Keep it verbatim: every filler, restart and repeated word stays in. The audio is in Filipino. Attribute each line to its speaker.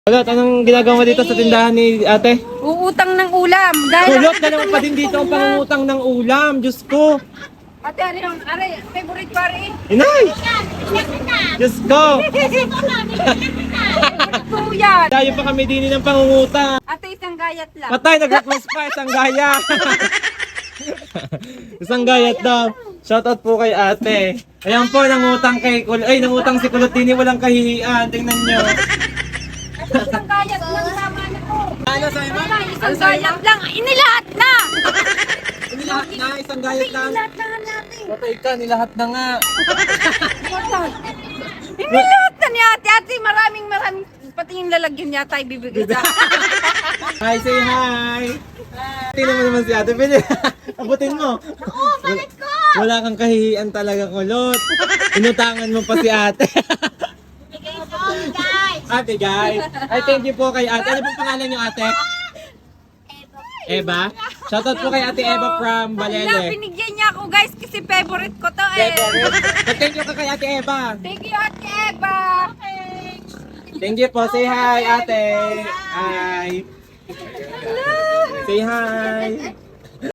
Speaker 1: Kulot, anong ginagawa mo dito sa tindahan ni ate?
Speaker 2: Uutang ng ulam. Dahil
Speaker 1: Kulot, na naman pa din dito ang pangungutang ng ulam. Diyos ko.
Speaker 2: Ate, ano yung, are, favorite pare.
Speaker 1: Inay! Diyos ko.
Speaker 2: Ito yan.
Speaker 1: Tayo pa kami din ng pangungutang.
Speaker 2: Ate, isang gayat lang.
Speaker 1: Patay, nag-request pa. Isang gaya. Isang gayat daw. Shoutout po kay ate. Ayan po, nangutang kay Kulot. Ay, nangutang si Kulot din. Walang kahihiyan. Tingnan nyo.
Speaker 2: Isang gayat lang, tama na po.
Speaker 1: Ano sa'yo, ma?
Speaker 2: Isang gayat lang. Inilahat na.
Speaker 1: Nilahat na, isang gayat lang.
Speaker 2: Inilahat na nga natin.
Speaker 1: Patay ka, nilahat na nga.
Speaker 2: Inilahat na ni ate. Ate, maraming maraming. Pati yung lalagyan niya tayo bibigay sa
Speaker 1: Hi, say hi! Tingnan mo naman si ate. Pwede, abutin mo.
Speaker 2: Oo, balik ko.
Speaker 1: Wala kang kahihiyan talaga, Kulot. Inutangan mo pa si ate.
Speaker 2: Bigay po, guys.
Speaker 1: Ate, guys. Ay, thank you po kay ate. Ano pong pangalan niyo, ate? Eva. Shoutout po kay ate Eva from
Speaker 2: Wala,
Speaker 1: Balele.
Speaker 2: binigyan niya ako guys kasi favorite ko to eh.
Speaker 1: Thank you ka kay ate Eva.
Speaker 2: Thank you, Ate Eva. Okay.
Speaker 1: Thank you po. Say hi, ate. Hi. Say hi.